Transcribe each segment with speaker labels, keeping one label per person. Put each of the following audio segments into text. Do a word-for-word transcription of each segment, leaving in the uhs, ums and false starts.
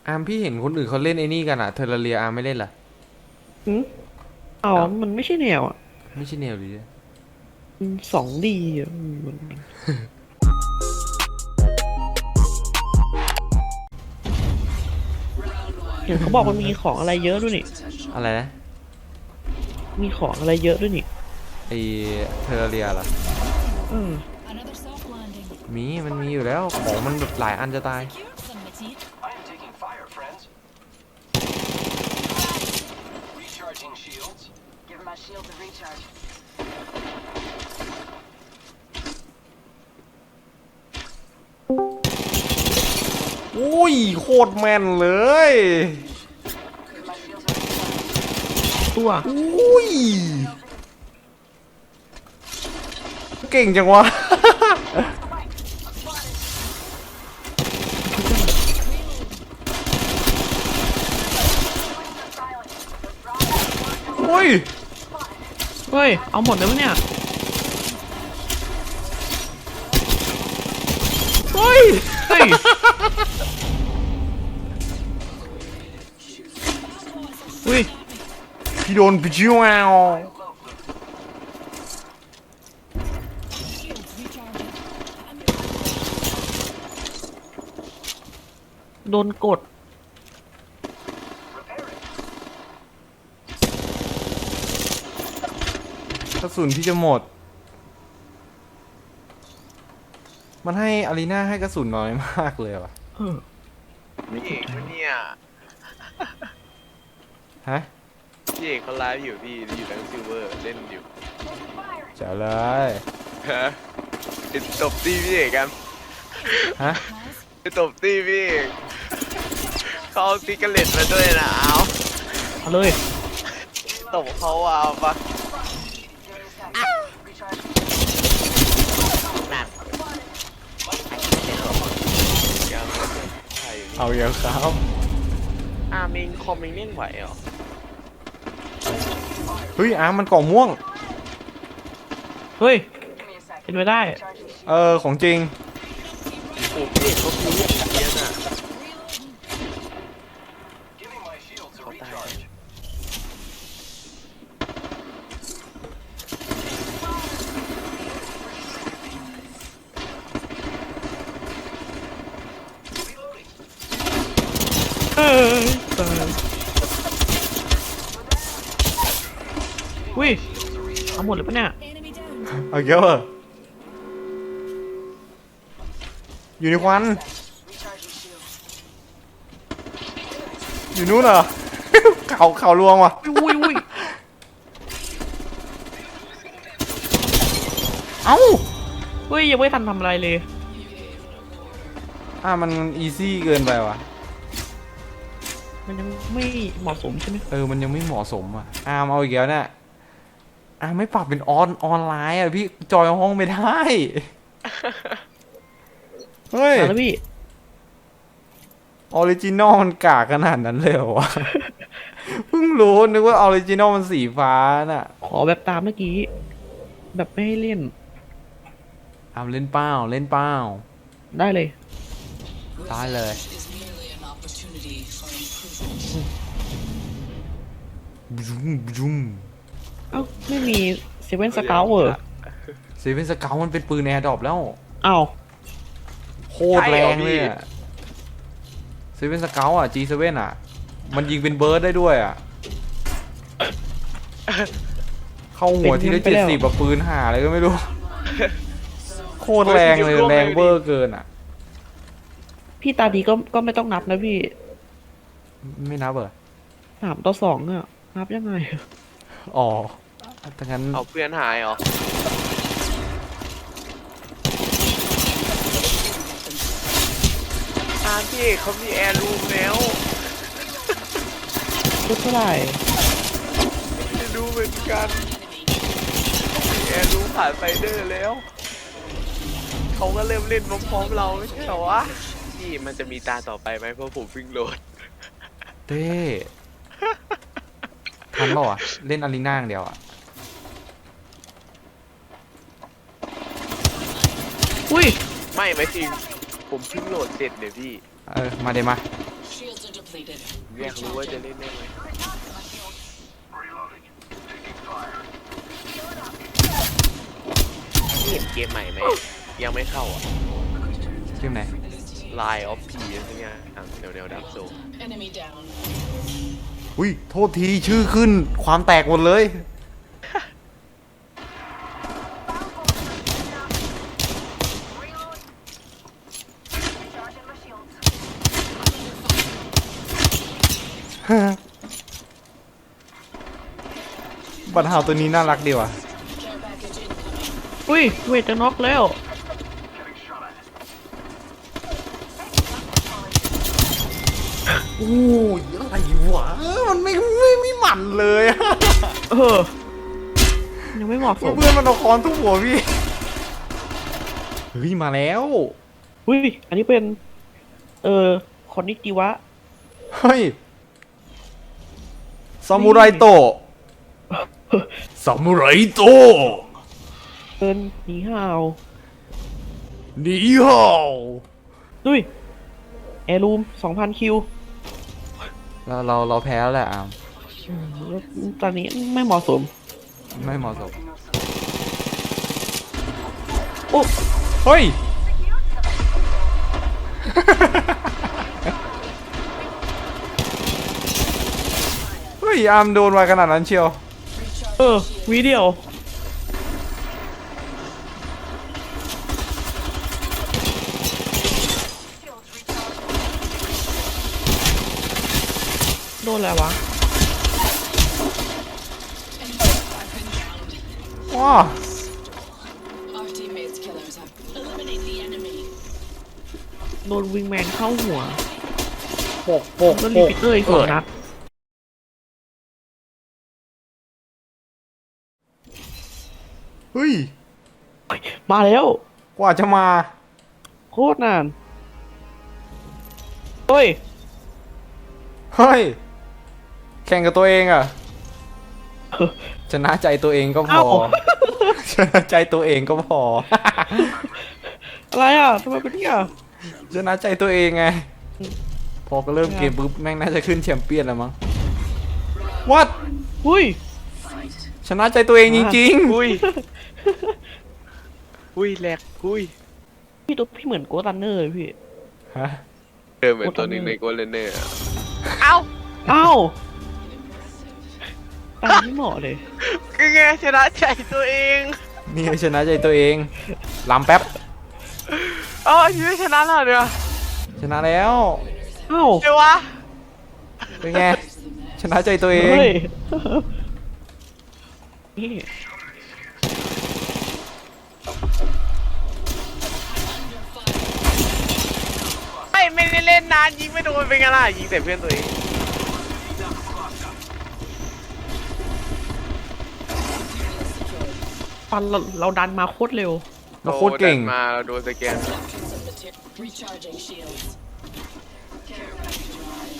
Speaker 1: อาร์มพี่เห็นคนอื่นเขาเล่นไอ้นี่กันอะเทอร์เรียอาร์มไม่เล่นเหรอ
Speaker 2: อืมอ๋อมันไม่ใช่แนวอ่ะ
Speaker 1: ไม่ใช่แนวหรือ
Speaker 2: สองดีอ่ะอืมมันเห็นเขาบอกมันมีของอะไรเยอะด้วยนี่
Speaker 1: อะไรนะ
Speaker 2: มีของอะไรเยอะด้วยนี่
Speaker 1: ไอเทอร์เรียเหรอ
Speaker 2: เออ
Speaker 1: มีมันมีอยู่แล้วของมันแบบหลายอันจะตายโอ้ยโคตรแม่นเลย
Speaker 2: ตัว
Speaker 1: อุ้ยเก่งจังวะโอ้ย
Speaker 2: เฮ้ยเอาหมดเลยมั้ยเนี่ย
Speaker 1: เฮ้ย
Speaker 2: เฮ้ยอุ้ย
Speaker 1: พี่โดนพี่ชิวเอา
Speaker 2: โดนกด
Speaker 1: กระสุนพี่จะหมดมันให้อารีนาให้กระสุนน้อยมากเลยว่ะ
Speaker 2: เออไม่
Speaker 3: พี่เอกเนี่ย
Speaker 1: ฮะ
Speaker 3: พี่เอกเขาไลฟ์อยู่พี่อยู่ทั้งซิลเวอร์เล่นอยู่
Speaker 1: เจ๋อเลย
Speaker 3: ฮะติดตบตีพี่เอกกัน
Speaker 1: ฮะ
Speaker 3: ติดตบตีพี่เอกเขาเอาติ๊กเกอร์เล็ตมาด้วยนะเอา
Speaker 2: เอาเลย
Speaker 3: ตบเขาเอาปะนั่น
Speaker 1: เอาอย่างครับ
Speaker 3: อาร์มิงคอมมิงเล่นไหวเหรอ
Speaker 1: เฮ้ยอาร์มมันกล่องม่วง
Speaker 2: เฮ้ยเป็นไปได้
Speaker 1: เออของจริง
Speaker 3: โอ้พี่เอกเขาคือเล่นเยอะน่ะเขาตาย
Speaker 2: เออตายอุ้ยเอาหมดเลยปะเนี่ย
Speaker 1: เอาเยอะอยู่ในควันอยู่นู้นเหรอ เขาเขาลวงว่ะ
Speaker 2: อุ้ยอุ้ย
Speaker 1: เอ้า
Speaker 2: เฮ้ยยังไม่ทันทำอะไรเลย
Speaker 1: อ่ะมันอีซี่เกินไปว่ะ
Speaker 2: มันยังไม่เหมาะสมใช่ไหม
Speaker 1: เออมันยังไม่เหมาะสมอ่ะอาร์มเอาอีกแล้วเนี่ยอาร์มไม่ปรับเป็นออนออนไลน์อ่ะพี่จอยห้องไม่ได้เฮ้ย
Speaker 2: แล้วพี่
Speaker 1: ออริจินอลมันกากขนาดนั้นเลยเหรอวะ เพิ่งรู้นึกว่าออริจินอลมันสีฟ้าน่ะ
Speaker 2: ขอแบบตามเมื่อกี้แบบไม่ให้เล่น
Speaker 1: อาร์มเล่นเป้าเล่นเป้า
Speaker 2: ได้เลย
Speaker 1: ได้เลยบุ้มบุ้ม
Speaker 2: เอ้าไม่มีเซเว่นสเกลเหรอ
Speaker 1: เซเว่นสเกลมันเป็นปืนแอร์ดรอปแล้ว
Speaker 2: เอ้า
Speaker 1: โคตรแรงเลยอ่ะเซเว่นสเกลอ่ะ จี เซเว่น อ่ะมันยิงเป็นเบิร์ดได้ด้วยอ่ะเข้าหัวทีละเจ็ดสิบแบบปืนห่าอะไรก็ไม่รู้โคตรแรงเลยแรงเบอร์เกินอ่ะ
Speaker 2: พี่ตาดีก็ก็ไม่ต้องนับนะพี่
Speaker 1: ไม่นับเหรอ
Speaker 2: สามต่อสองอ่ะนับยังไง
Speaker 1: อ๋อถ้างั้น
Speaker 3: เอาเพื่อนหายเหรออาร์พี่เอกเขามีแอร์รูมแล้ว
Speaker 2: ชุดเท่าไหร่
Speaker 3: ไม่รู้เหมือนกันมีแอร์รูมผ่านไฟเดอร์แล้วเขาก็เริ่มเล่นพร้อมๆเราไม่ใช่เหรอวะนี่มันจะมีตาต่อไปไหมเพราะผมวิ่งโหลด
Speaker 1: เต้ทันเปล่าอ่ะเล่นอารีนาอย่างเดียวอ่ะ
Speaker 2: อุ้ย
Speaker 3: ไม่ไม่จริงผมเพิ่งโหลดเสร็จเดี๋ยวพี่
Speaker 1: เออมาเดี๋ยวมา
Speaker 4: depleted.
Speaker 3: อยากรู้ว่าจะเล่นได้ไหมนี่เห็นเกมใหม่ไหมยังไม่เข้าอ่ะ
Speaker 1: เกมไหน
Speaker 3: Line of P อะไรเงี้ยแนวแนวดับโซ
Speaker 4: Enemy down.
Speaker 1: อุ้ยโทษทีชื่อขึ้นความแตกหมดเลย บัตรหาวตัวนี้น่ารักดีว่ะ
Speaker 4: Care package incoming.
Speaker 2: อุ้ยเวทจะน็อกแล้ว
Speaker 1: โอ้ยอะไรวะมันไม่ไม่ไม่หมันเลยอะ
Speaker 2: เออ ยังไม่เหมาะสม
Speaker 1: เพื่อนมันเอาค้อนทุบหัวพี่เฮ้ยมาแล้ว
Speaker 2: อุ้ย อันนี้เป็น เออคอนนิจิวะ
Speaker 1: เฮ้ยซามูไรโตะซามูไรโตะ
Speaker 2: เอินหนีห่าว
Speaker 1: นี่ฮาว
Speaker 2: ดุยแอร์รูมสองพันคิว
Speaker 1: เราเราเราแพ้แล้วแหละอาม
Speaker 2: อืมแล้วตอนนี้ไม่เหมาะสม
Speaker 1: ไม่เหมาะสม
Speaker 2: โอ้
Speaker 1: เฮ้ย เฮ้ยอามโดนไวขนาดนั้นเชียว
Speaker 2: เออวีเดียวโดนอะไรวะ
Speaker 1: ว้า
Speaker 4: Our teammates' killers have eliminate the enemy.
Speaker 2: โดนวิงแมนเข้าหัว
Speaker 1: ปกปก
Speaker 2: แล้ว
Speaker 1: ป
Speaker 2: รี
Speaker 1: ก
Speaker 2: พิเตอร์อีกสองนัด
Speaker 1: เฮ้ย
Speaker 2: มาแล้ว
Speaker 1: กว่าจะมา
Speaker 2: โคตรนานเฮ้ย
Speaker 1: เฮ้ย แข่งกับตัวเองอะชนะใจตัวเองก็พอ
Speaker 2: เอ้า
Speaker 1: ชนะใจตัวเองก็พอ
Speaker 2: อะไรอ่ะทำไมเป็นเนี่ย
Speaker 1: ชนะใจตัวเองไง พอก็เริ่มเกมปุ๊บแม่งน่าจะขึ้นแชมเปี้ยนแล้วมั้ง What
Speaker 2: อุ้ย
Speaker 1: ชนะใจตัวเองจริง
Speaker 3: อุ้ย อุ้ยแหลกอุ้ย
Speaker 2: พี่ตัวพี่เหมือนโกตันเนอร์เลยพี่
Speaker 1: ๆ ฮะ
Speaker 3: เดินเหมือนตัวหนึ่งในโกลเลนเนอร์อะเอ้า
Speaker 2: เอ้าตามไม่เหมาะเลย
Speaker 3: คือไงชนะใจตัวเอง
Speaker 1: นี่ชนะใจตัวเองลำแป๊บ
Speaker 3: อ๋อยังไม่ชนะแล้วเนี่ย
Speaker 1: ชนะแล้ว
Speaker 2: เอ้า
Speaker 3: เดี๋ยววะ
Speaker 1: เป็นไง ชนะใจตัวเอง
Speaker 2: เฮ้ยนี่
Speaker 3: ไม่ไม่ได้เล่นนานยิงไม่โดนเป็นไงล่ะยิงแต่เพื่อนตัวเอง
Speaker 2: ฟันเราเราดันมาโคตรเร็ว
Speaker 1: เราโคตรเก่ง
Speaker 3: โดนมาเราโดนสแกน
Speaker 4: Some material. Recharging shields. Care package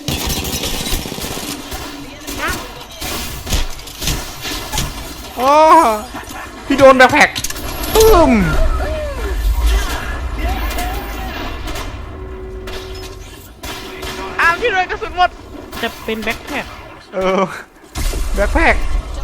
Speaker 4: arrived.
Speaker 1: อ๋อพี่โดนแบ็คแพ็คตึ้ม
Speaker 3: อ้าวพี่โดนกระสุนหมด
Speaker 2: จะเป็นแบ็คแพ็ค
Speaker 1: เออแบ็คแพ็ค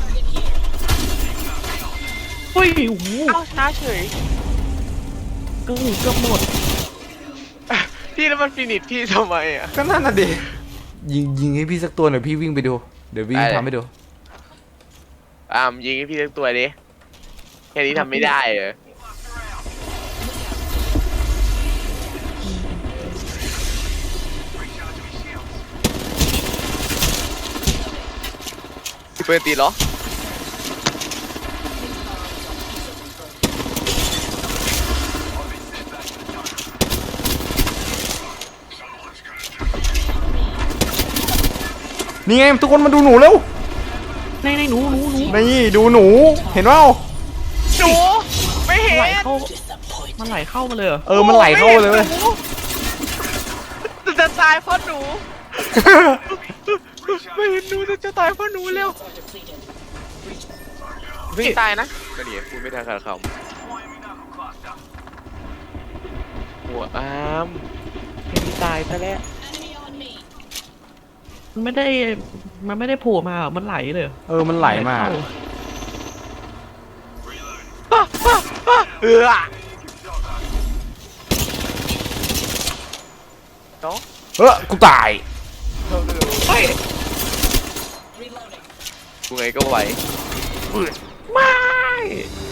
Speaker 2: เฮ้ยโอ้โห
Speaker 3: เอ้าช้าเฉย
Speaker 2: เกือบเกือบหมด
Speaker 3: พี่แล้วมันฟินิชพี่ทำไมอ่ะ
Speaker 1: ก็นั่นน่ะดิยิงยิงให้พี่สักตัวหน่อยพี่วิ่งไปดู เดี๋ยววิ่ง
Speaker 3: ได้เลย
Speaker 1: ทำให้ดู
Speaker 3: อ้ามยิงให้พี่สักตัวดิแค่นี้ทำไม่ได้เหรอพี่เปิดตีเหรอ
Speaker 1: นี่ไงทุกคนมาดูหนูเร็ว
Speaker 2: ในในหนูหนูหนู
Speaker 1: นี่ดูหนู เห็นเปล่า
Speaker 3: หนูไม่เห็น
Speaker 2: ไหลเข้ามันไหลเข้ามาเลยเหรอ
Speaker 1: เออมันไหลเข้าเลยเว้ย
Speaker 3: หนูจะตายเพราะหนู ไม่เห็นหนูจะตายเพราะหนูเร็ว
Speaker 4: Are depleted.
Speaker 3: วิ่งตายนะก็ดีพูดไม่ทันขาดคำหัวอามเห็นตายซะแล้ว
Speaker 4: Enemy on me.
Speaker 2: มันไม่ได้ มันไม่ได้โผล่มาเหรอมันไหลเลยเหรอ
Speaker 1: เออมันไหลมา
Speaker 2: เข้
Speaker 3: เออเนาะ
Speaker 1: เออกูตาย
Speaker 3: เราดู
Speaker 2: เฮ้ย
Speaker 4: Reloading.
Speaker 3: กูไงก็ไหว
Speaker 2: ไม่